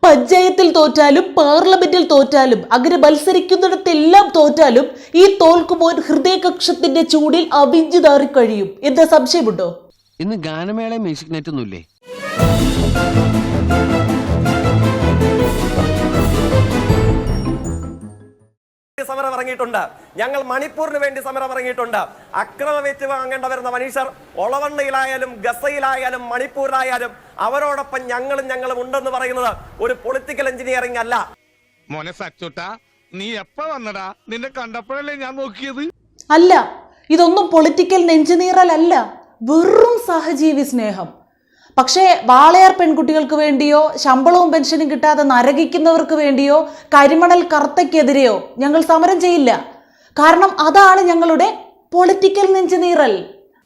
പഞ്ചായത്തിൽ തോറ്റാലും പാർലമെന്റിൽ തോറ്റാലും അങ്ങനെ മത്സരിക്കുന്നിടത്തെല്ലാം തോറ്റാലും ഈ തോൽക്കുമോൻ ഹൃദയകക്ഷത്തിന്റെ ചൂടിൽ അവിഞ്ചു നാറി കഴിയും. എന്താ സംശയമുണ്ടോ? ഇന്ന് ഗാനമേള മ്യൂസിക് നെറ്റ് ഒന്നുമില്ലേ? സമരം ഇറങ്ങിയിട്ടുണ്ട്. ഞങ്ങൾ മണിപ്പൂരിന് വേണ്ടി സമരം ഇറങ്ങിയിട്ടുണ്ട്. അക്രമം ഏറ്റുവാങ്ങേണ്ട വരുന്ന മനുഷ്യർ ഒളവണ്ണയിലായാലും ഗസയിലായാലും മണിപ്പൂരിലായാലും അവരോടൊപ്പം ഞങ്ങളും ഉണ്ടെന്ന് പറയുന്നത് ഒരു പൊളിറ്റിക്കൽ എഞ്ചിനീയറിംഗ് അല്ല. മോനെ സച്ചോട്ടാ, നീ എപ്പ വന്നടാ? നിന്നെ കണ്ടപ്പോഴല്ലേ ഞാൻ നോക്കിയത്. അല്ല, ഇതൊന്നും പൊളിറ്റിക്കൽ എഞ്ചിനീയറൽ അല്ല, വെറും സഹജീവി സ്നേഹം. പക്ഷേ വാളയാർ പെൺകുട്ടികൾക്ക് വേണ്ടിയോ ശമ്പളവും പെൻഷനും കിട്ടാതെ നരകിക്കുന്നവർക്ക് വേണ്ടിയോ കരിമണൽ കർത്തയ്ക്കെതിരെയോ ഞങ്ങൾ സമരം ചെയ്യില്ല. കാരണം അതാണ് ഞങ്ങളുടെ പൊളിറ്റിക്കൽ എഞ്ചിനീയറൽ.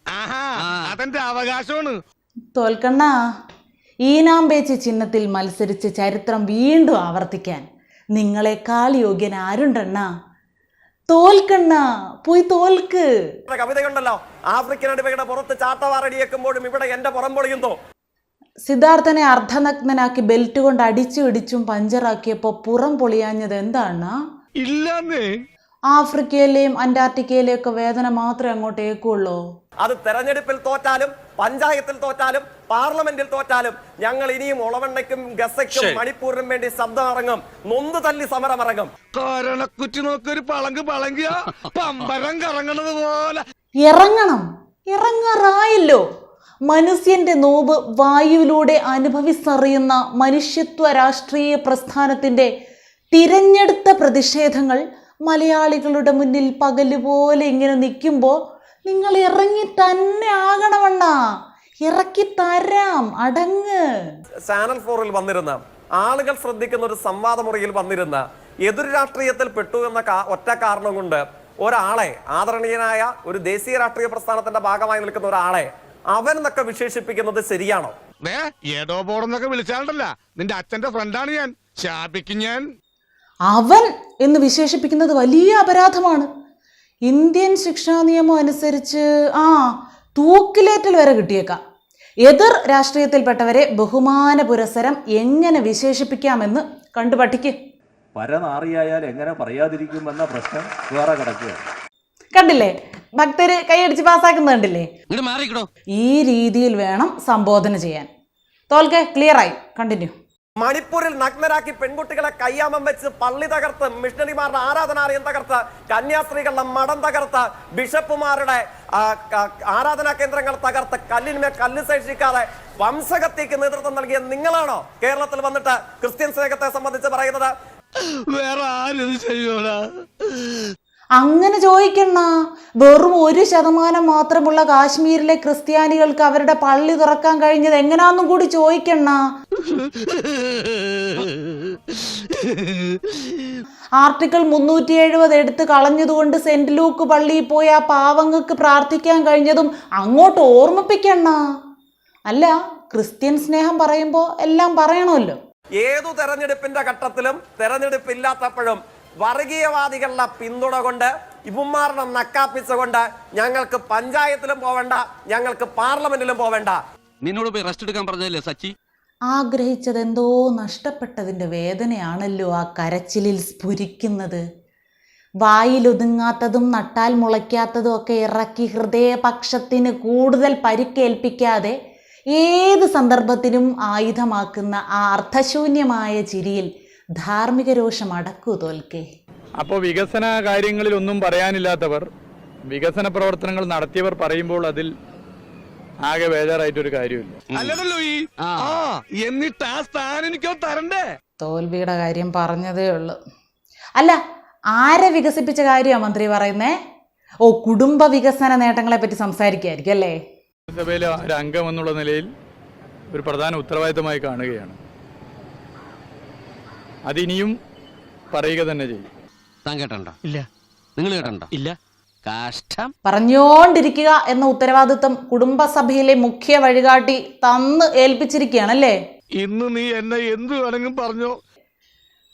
അതെന്റെ അവകാശമാണ്. തോൽക്കണ്ണ, ഈനാമ്പേച്ചി ചിഹ്നത്തിൽ മത്സരിച്ച് ചരിത്രം വീണ്ടും ആവർത്തിക്കാൻ നിങ്ങളെക്കാൾ യോഗ്യൻ ആരുണ്ടെണ്ണ? തോൽക്കണ്ണ, പോയി തോൽക്ക്. കവിതയുണ്ടല്ലോ, ആഫ്രിക്കൻ അടിമയുടെ പുറത്ത് ചാട്ടവാറടിയേക്കുമ്പോഴും ഇവിടെ എന്റെ പുറം പൊളിയുന്നു. സിദ്ധാർത്ഥനെ അർദ്ധനഗ്നനാക്കി ബെൽറ്റ് കൊണ്ട് അടിച്ചു ഇടിച്ചും പഞ്ചറാക്കിയപ്പോ പുറം പൊളിയാഞ്ഞത് എന്താണ്? ഇല്ലെന്നേ. ആഫ്രിക്കയിലെയും അന്റാർട്ടിക്കയിലെയും ഒക്കെ വേദന മാത്രമേ അങ്ങോട്ട് ഏക്കുള്ളൂ. അത് തെരഞ്ഞെടുപ്പിൽ തോറ്റാലും പഞ്ചായത്തിൽ തോറ്റാലും പാർലമെന്റിൽ തോറ്റാലും ഞങ്ങൾ ഇനിയും ഒളവണ്ണയ്ക്കും ഗസയ്ക്കും മണിപ്പൂരിനും വേണ്ടി ശബ്ദം ഇറങ്ങും. നൊന്ത് തല്ലി സമരം ഇറങ്ങും. കൊരണക്കുറ്റി നോക്കൊരു പളങ്കിയ പമ്പരം കറങ്ങണത് പോലെ ഇറങ്ങണം. ഇറങ്ങാറായല്ലോ. മനുഷ്യന്റെ നോവ് വായുവിലൂടെ അനുഭവിച്ചറിയുന്ന മനുഷ്യത്വ രാഷ്ട്രീയ പ്രസ്ഥാനത്തിന്റെ തിരഞ്ഞെടുത്ത പ്രതിഷേധങ്ങൾ മലയാളികളുടെ മുന്നിൽ പകലുപോലെ ഇങ്ങനെ നിൽക്കുമ്പോൾ നിങ്ങൾ ഇറങ്ങി തന്നെ ആകണമെണ്ണ. ഇറക്കി തരാം, അടങ്ങ്. ചാനൽ 4-ൽ വന്നിരുന്ന ആളുകൾ ശ്രദ്ധിക്കുന്ന ഒരു സംവാദ മുറിയിൽ വന്നിരുന്ന എതിർ രാഷ്ട്രീയത്തിൽ പെട്ടു എന്ന ഒറ്റ കാരണം കൊണ്ട് ഒരാളെ, ആദരണീയനായ ഒരു ദേശീയ രാഷ്ട്രീയ പ്രസ്ഥാനത്തിന്റെ ഭാഗമായി നിൽക്കുന്ന ഒരാളെ അവൻ എന്നൊക്കെ വിശേഷിപ്പിക്കുന്നത് ശരിയാണോ? ഏടോ ബോർഡെന്നൊക്കെ വിളിച്ചാണ്ടല്ല, നിന്റെ അച്ഛന്റെ ഫ്രണ്ടാണ് ഞാൻ. ശാപിക്കും ഞാൻ. അവൻ എന്ന് വിശേഷിപ്പിക്കുന്നത് വലിയ അപരാധമാണ്. ഇന്ത്യൻ ശിക്ഷാ നിയമം അനുസരിച്ച് തൂക്കിലേറ്റൽ വരെ കിട്ടിയേക്കാം. എതിർ രാഷ്ട്രീയത്തിൽപ്പെട്ടവരെ ബഹുമാന പുരസ്സരം എങ്ങനെ വിശേഷിപ്പിക്കാമെന്ന് കണ്ടു പഠിക്ക്. പരനാറിയായാൽ എങ്ങനെ പറയാതിരിക്കുമെന്ന പ്രശ്നം വേറെ കിടക്കുക. കണ്ടില്ലേ, ഭക്തര് കൈയടിച്ച് പാസ്സാക്കുന്നത് കണ്ടില്ലേ? ഈ രീതിയിൽ വേണം സംബോധന ചെയ്യാൻ. തോൽക്കെ, ക്ലിയർ ആയി. കണ്ടിന്യൂ. മണിപ്പൂരിൽ നഗ്നരാക്കി പെൺകുട്ടികളെ കയ്യാമം വെച്ച് പള്ളി തകർത്ത്, മിഷണറിമാരുടെ ആരാധനാലയം തകർത്ത്, കന്യാസ്ത്രീകളുടെ മഠം തകർത്ത്, ബിഷപ്പുമാരുടെ ആരാധനാ കേന്ദ്രങ്ങൾ തകർത്ത്, കല്ലിന്മേൽ കല്ല് ശേഷിക്കാതെ വംശഹത്യക്ക് നേതൃത്വം നൽകിയ നിങ്ങളാണോ കേരളത്തിൽ വന്നിട്ട് ക്രിസ്ത്യൻ സ്നേഹത്തെ സംബന്ധിച്ച് പറയുന്നത്? വേറെ ആരും ചെയ്യൂടാ. അങ്ങനെ ചോദിക്കണ്ണ. വെറും 1% മാത്രമുള്ള കാശ്മീരിലെ ക്രിസ്ത്യാനികൾക്ക് അവരുടെ പള്ളി തുറക്കാൻ കഴിഞ്ഞത് എങ്ങനാന്നും കൂടി ചോദിക്കണ്ണ. ആർട്ടിക്കിൾ 370 എടുത്ത് കളഞ്ഞതുകൊണ്ട് സെന്റ് ലൂക്ക് പള്ളിയിൽ പോയി ആ പാവങ്ങൾക്ക് പ്രാർത്ഥിക്കാൻ കഴിഞ്ഞതും അങ്ങോട്ട് ഓർമ്മിപ്പിക്കണ്ണ. അല്ല, ക്രിസ്ത്യൻ സ്നേഹം പറയുമ്പോ എല്ലാം പറയണമല്ലോ. ഏതു തെരഞ്ഞെടുപ്പിന്റെ ഘട്ടത്തിലും തെരഞ്ഞെടുപ്പില്ലാത്തപ്പോഴും വർഗീയവാദികളുടെ പിന്തുണ കൊണ്ട്, ഇവന്മാരുടെ നക്കാപ്പിച്ചുകൊണ്ട് ഞങ്ങൾക്ക് പഞ്ചായത്തിലും പോവേണ്ട, ഞങ്ങൾക്ക് പാർലമെന്റിലും പോവേണ്ട. നിന്നോട് പോയി റെസ്റ്റ് എടുക്കാൻ പറഞ്ഞതല്ലേ സച്ചി? ആഗ്രഹിച്ചതെന്തോ നഷ്ടപ്പെട്ടതിൻ്റെ വേദനയാണല്ലോ ആ കരച്ചിലിൽ സ്ഫുരിക്കുന്നത്. വായിലൊതുങ്ങാത്തതും നട്ടാൽ മുളയ്ക്കാത്തതും ഒക്കെ ഇറക്കി ഹൃദയപക്ഷത്തിന് കൂടുതൽ പരിക്കേൽപ്പിക്കാതെ ഏത് സന്ദർഭത്തിനും ആയുധമാക്കുന്ന ആ അർത്ഥശൂന്യമായ ചിരിയിൽ ധാർമ്മിക രോഷം അടക്കൂ തോൽക്കേ. അപ്പോൾ വികസന കാര്യങ്ങളിൽ ഒന്നും പറയാനില്ലാത്തവർ വികസന പ്രവർത്തനങ്ങൾ നടത്തിയവർ പറയുമ്പോൾ അതിൽ ആകെ ബേജാറായിട്ടൊരു കാര്യമില്ല. എന്നിട്ട് ആ സ്ഥാനം എനിക്കോ തരണ്ടേ? തോൽവിയുടെ കാര്യം പറഞ്ഞതേ ഉള്ളൂ. അല്ല, ആരെ വികസിപ്പിച്ച കാര്യമാണ് മന്ത്രി പറയുന്നേ? കുടുംബ വികസന നേട്ടങ്ങളെ പറ്റി സംസാരിക്കായിരിക്കും അല്ലേ? സഭയിലെ ഒരു അംഗം എന്നുള്ള നിലയിൽ ഒരു പ്രധാന ഉത്തരവാദിത്തമായി കാണുകയാണ്. അതിനിയും പറയുക തന്നെ ചെയ്യും. താൻ കേട്ടണ്ട? ഇല്ല. നിങ്ങൾ കേട്ടണ്ട? ഇല്ല. കാഷ്ടം. പറഞ്ഞോണ്ടിരിക്കുക എന്ന ഉത്തരവാദിത്വം കുടുംബസഭയിലെ മുഖ്യ വഴികാട്ടി തന്ന് ഏൽപ്പിച്ചിരിക്കുകയാണല്ലേ? ഇന്ന് നീ എന്നെ എന്ത് വേണമെങ്കിലും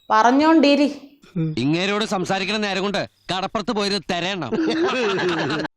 പറഞ്ഞോണ്ടിരി. ഇങ്ങേരോട് സംസാരിക്കണ നേരം കൊണ്ട് കടപ്പുറത്ത് പോയത് തരയണം.